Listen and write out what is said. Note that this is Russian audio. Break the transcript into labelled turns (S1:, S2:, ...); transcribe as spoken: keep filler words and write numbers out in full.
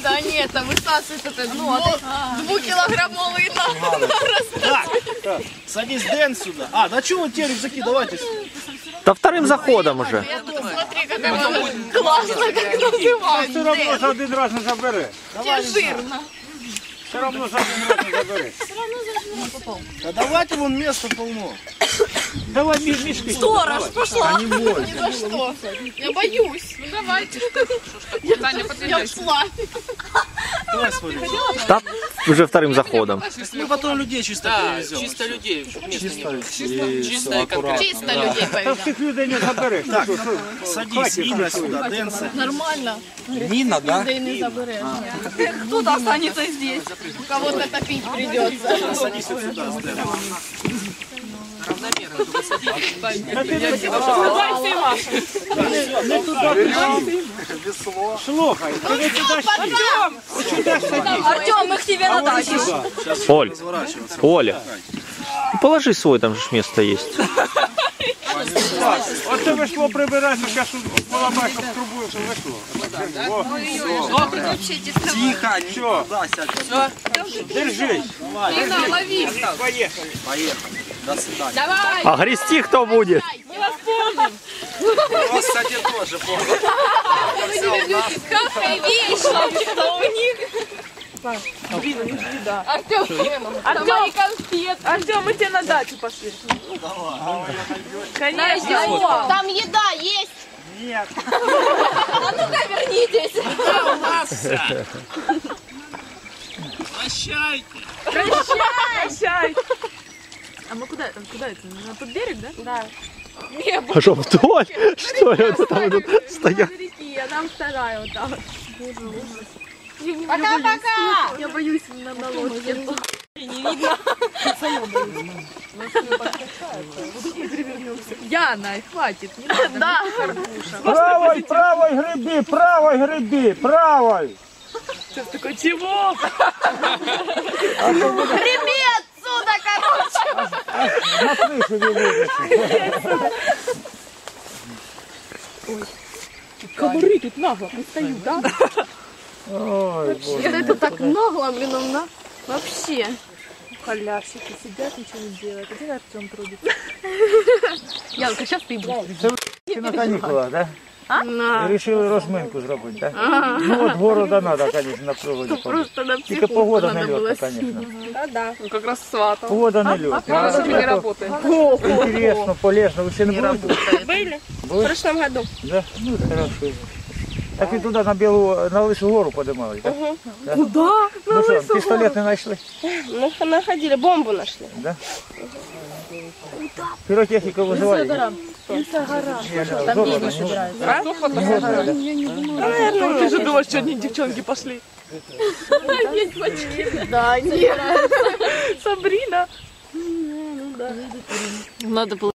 S1: Да нет, там высасывает это двухкилограммовый нарос.
S2: Так, так, садись, Дэн, сюда. А, да что вы те рюкзаки, давайте.
S3: Да вторым заходом уже.
S1: Смотри, как оно классно, как называют.
S4: Все равно ж один раз не забере.
S1: Тебе жирно.
S4: Все равно ж один раз не забере.
S2: Да давайте вон место полно.
S4: Давай мешки.
S1: Сторож, пошла.
S2: Не бойся.
S1: Ни за что. Я боюсь. Ну давайте. Я ушла.
S2: Давай свой рюкзак.
S3: Да, уже вторым заходом.
S2: Мы потом людей чисто перевезем.
S5: Чисто людей, чтобы место не было.
S2: И
S5: Чисто
S2: всё,
S5: и конкретно.
S1: Чисто людей
S4: Та
S1: повезем.
S4: всіх людей не забереш.
S2: Так, садись, Инна сюда, Дэн садись.
S1: Нормально.
S2: Нина, да?
S1: Да и не заберешь. Кто-то останется здесь. У кого-то топить придется.
S2: Садись вот сюда, с Дэном.
S5: Равномерно, только садитесь.
S4: Слухай, ти не туди
S1: Артем, мы к тебе на дачу.
S3: Оль,
S2: Разворачиваться.
S3: Оля, ну положи свой, там же ж место есть.
S4: Оце вийшло прибирати, зараз поламаєш, щоб трубу все вийшло.
S2: Тихо, не
S4: Все,
S2: туда сядь.
S4: держись.
S1: Инна, лови.
S4: Поїхали.
S2: Поехали. До свидания.
S1: Давай.
S3: А грести кто будет?
S2: Вас, кстати, тоже помню.
S1: Какая вещь, что у них. Артем, Артем, конфет. Артем, мы тебе на дачу пошли. Конечно. Там еда есть.
S4: Нет.
S1: А ну-ка вернитесь.
S2: Прощайте.
S1: Прощай.
S6: А мы куда там? Куда это? На тот берег, да?
S1: Да.
S3: А что, вдоль? Что ли, вот там вот стоят?
S6: Реки, а нам вторая вот там.
S1: Пока-пока.
S6: Я боюсь на, на лодке. Яна, хватит. Не надо.
S1: Да.
S4: Правой, правой гриби, правой гриби, правой.
S6: Ты такой, чего?
S1: Греби отсюда, короче.
S4: На крышу не вылезешь.
S6: Комары тут нагло пристают, да?
S4: Ой, боже.
S1: Это так нагло, блин, он на... Вообще.
S6: Халявщики сидят, ничего не делают. Где Артем трудится? Янка, сейчас ты будешь.
S4: Ти на канікулах, да?
S1: На.
S4: Рішили розминку зробити, так? Ну от города треба, звісно, на проводі.
S1: Просто на
S4: Тільки
S1: психушку
S4: погода
S1: надо
S4: не
S1: было.
S4: льотна, звісно.
S6: А, да. Ну, как раз сватал.
S4: Погода не льотна.
S6: А сегодня не работает.
S4: Интересно, полезно. Ви ще не були?
S6: Были?
S4: Були?
S6: В прошлом году.
S4: Да? Ну, хорошо. Так ви туди на Білу, на Лису гору подимали, так? Да?
S6: Куда?
S4: Ну що, пістолет не знайшли?
S6: Ну, находили, бомбу нашли.
S4: Да? Піротехніку визивали? Там деньги собираются.
S6: Наверное, ты же думаешь, что одни девчонки пошли?
S1: Да, нет.
S6: Сабрина.
S1: Надо было